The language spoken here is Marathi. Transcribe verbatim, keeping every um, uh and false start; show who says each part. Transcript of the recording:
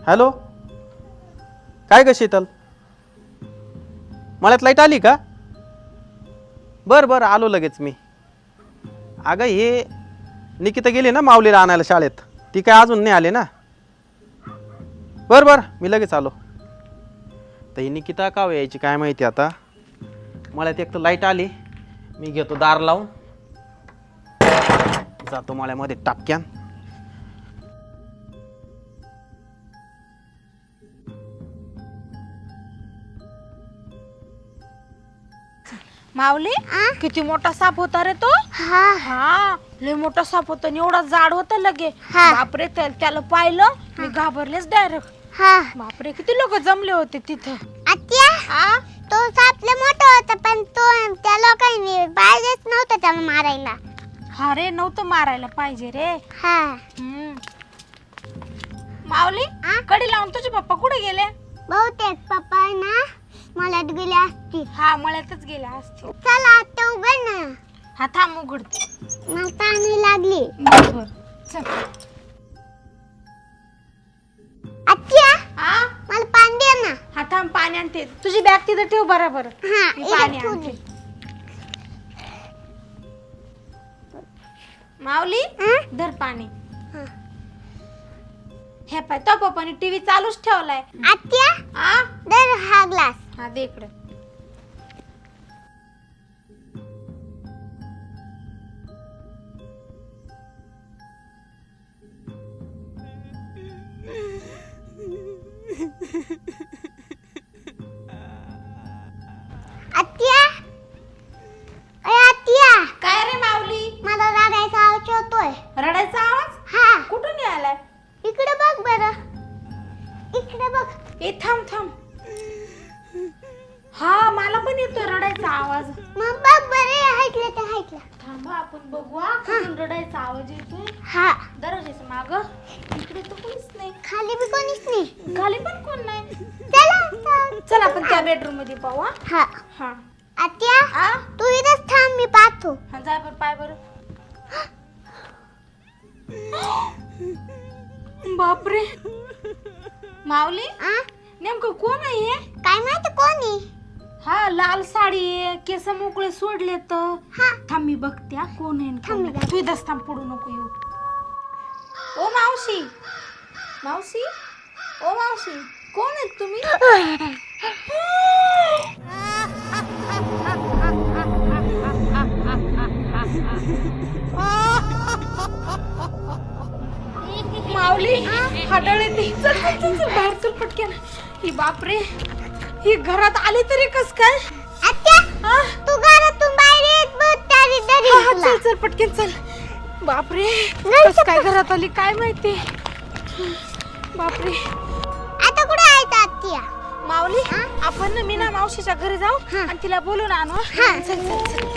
Speaker 1: हॅलो, काय ग शीतल, मळ्यात लाईट आली का? बरं बरं आलो लगेच मी. अगं हे निकिता गेली ना माऊलीला आणायला शाळेत, ती काय अजून नाही आली ना. बरं बरं मी लगेच आलो. तर ही निकिता का यायची काय माहिती आता. मळ्यात एक तर लाईट आली, मी घेतो दार लावून जातो मळ्यामध्ये टापक्यान.
Speaker 2: माऊली किती मोठा साप होता रे तो.
Speaker 3: हा
Speaker 2: हा लय मोठा साप होता, एवढा जाड होता लगे.
Speaker 3: हा.
Speaker 2: बापरे, त्या- त्याला पाहिलं मी घाबरलेच डायरेक्ट.
Speaker 3: हा
Speaker 2: बापरे किती लोक जमले होते तिथं.
Speaker 3: आत्या
Speaker 2: आ
Speaker 3: तो सापले मोठा होता, पण तो त्या लोकांनी पाहिजेच नव्हतं त्याला मारायला.
Speaker 2: हा रे, नव्हतं मारायला पाहिजे रे.
Speaker 3: हा
Speaker 2: हम्म. माऊली
Speaker 3: आ?
Speaker 2: कडी लावून तुझे पप्पा कुठे गेले?
Speaker 3: बहुतेक पप्पा ना मळ्यात गेले असतील.
Speaker 2: हा मळ्यातच गेले असते.
Speaker 3: चला आता उघड ना,
Speaker 2: हा थांब उघडते.
Speaker 3: मला पाणी लागली.
Speaker 2: बरोबर चल.
Speaker 3: आत्या
Speaker 2: आ
Speaker 3: मला पाणी दे ना.
Speaker 2: हा थांब पाणी आणते. तुझी बॅग तिथं ठेव बरोबर.
Speaker 3: हा
Speaker 2: मी
Speaker 3: इकडे
Speaker 2: पाणी
Speaker 3: ठेवू
Speaker 2: आणते.
Speaker 3: दे.
Speaker 2: माऊली
Speaker 3: आ?
Speaker 2: धर पाणी.
Speaker 3: हा.
Speaker 2: हे पाय तो पप्पानी टीव्ही चालूच ठेवलाय.
Speaker 3: आत्या
Speaker 2: आ
Speaker 3: दर हा ग्लास.
Speaker 2: हा दे इकडे.
Speaker 3: आत्या ए आत्या,
Speaker 2: काय रे माऊली,
Speaker 3: मला रडायचा आवाज होतोय.
Speaker 2: रडायचा आवाज
Speaker 3: हा
Speaker 2: कुठून आलाय?
Speaker 3: इकडे बघ बरं, इकडे बघ.
Speaker 2: ए थांब थांब. हा मला पण येतोय रडायचा आवाज.
Speaker 3: मग बघ बरं, ऐकलं तर ऐकलं.
Speaker 2: थांबा आपण बघू हा, कुठून रडायचा आवाज येतोय.
Speaker 3: हा
Speaker 2: दरवाजाच्या माग इकडे तर कोणीच नाही,
Speaker 3: खाली बी कोणीच नाही.
Speaker 2: खाली पण कोण नाही.
Speaker 3: चला चल.
Speaker 2: चल आपण त्या बेडरूम मध्ये पाहू हा.
Speaker 3: हा
Speaker 2: हा
Speaker 3: आत्या
Speaker 2: आ?
Speaker 3: तू इथंच थांब, मी पाहतो.
Speaker 2: हा जाय बर पाय बर. बापरे माऊली
Speaker 3: आ
Speaker 2: नेमकं कोण आहे हे?
Speaker 3: काय माहिती कोणी.
Speaker 2: हा लाल साडी आहे, केस मोकळे सोडले तर.
Speaker 3: हा
Speaker 2: थांब मी बघते हा, कोण आहे न कोण
Speaker 3: थांब मी
Speaker 2: नाही. तू इथंच थांब, पडू नको येऊ. ओ मावशी, मावशी, ओ मावशी, कोण आहेत तुम्ही? माऊली हाडळ येते. चल चल चल चल, बाहेर चल पटकन. ही बापरे, ही घरात आली तरी कस काय?
Speaker 3: आत्या
Speaker 2: हा?
Speaker 3: तू घरातून बाहेर येत बघ, तरी तरी
Speaker 2: हा, हा, चल चल पटकन चल. बापरे कस काय घरात आली काय माहिती. बापरे
Speaker 3: आता कुठे आहे आत्या?
Speaker 2: माऊली आपण ना मी ना मावशीच्या घरी जाऊ
Speaker 3: हा.
Speaker 2: आणि तिला बोलून आणू.
Speaker 3: हा.
Speaker 2: चल चल चल.